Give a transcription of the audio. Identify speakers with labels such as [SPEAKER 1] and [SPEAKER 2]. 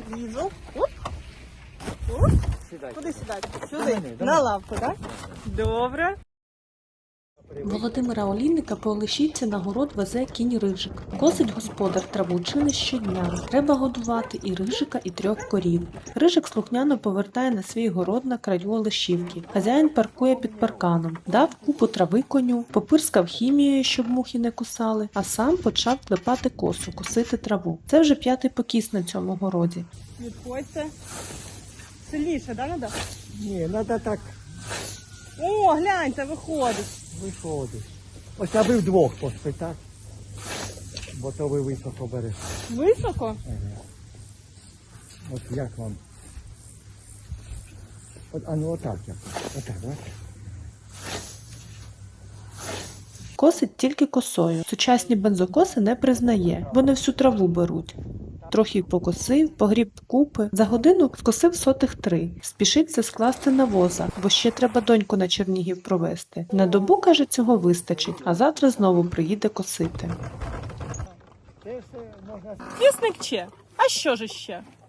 [SPEAKER 1] Лізу. Оп. Оп. Куди сідати? Сюди? На лавку, так? Добре.
[SPEAKER 2] Володимира Олійника по Олешівці на город везе кінь Рижик. Косить господар траву чи не щодня. Треба годувати і Рижика, і 3 корів. Рижик слухняно повертає на свій город на краю Олешівки. Хазяїн паркує під парканом. Дав купу трави коню, попирскав хімією, щоб мухи не кусали, а сам почав клепати косу, косити траву. Це вже 5-й покіс на цьому городі.
[SPEAKER 1] Відходьте. Сильніше, да, надо?
[SPEAKER 3] Ні, треба так
[SPEAKER 1] О, гляньте, виходить.
[SPEAKER 3] виходить. Ось аби вдвох поспитати, бо то ви високо берете.
[SPEAKER 1] Високо?
[SPEAKER 3] Ага. От як вам? От, а ну отак як. Отак, бачите?
[SPEAKER 2] Косить тільки косою. Сучасні бензокоси не признає, бо не всю траву беруть. Трохи покосив, погріб купи. За годину скосив сотих 3. Спішить це скласти на воза, бо ще треба доньку на Чернігів провести. На добу, каже, цього вистачить, а завтра знову приїде косити.
[SPEAKER 3] Це все можна...
[SPEAKER 1] Вісник че? А що ж ще?